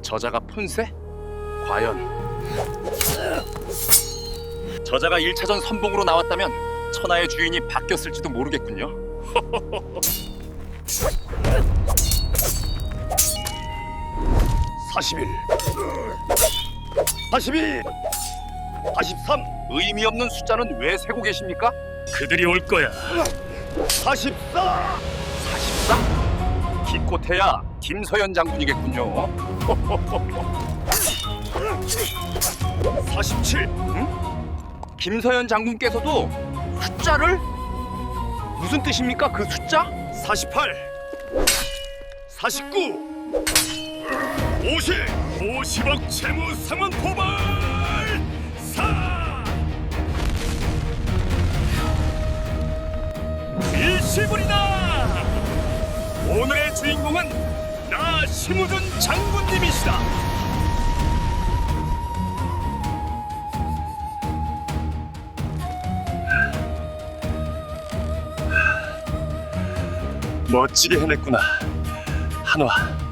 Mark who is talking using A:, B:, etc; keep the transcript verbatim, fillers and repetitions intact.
A: 저자가 폰세? 과연 저자가 일 차전 선봉으로 나왔다면 천하의 주인이 바뀌었을지도 모르겠군요. 사십일, 사십이, 사십삼. 의미 없는 숫자는 왜 세고 계십니까?
B: 그들이 올 거야.
A: 사십사, 사십사. 기껏해야 김서연 장군이겠군요.
B: 사십칠.
A: 응? 김서연 장군께서도 숫자를? 무슨 뜻입니까? 그 숫자?
B: 사십팔. 사십구. 오십. 오십억 채무 상환 포발. 사. 이십을이다. 오늘의 주인공은 나 심우준 장군님이시다. 멋지게 해냈구나, 한화.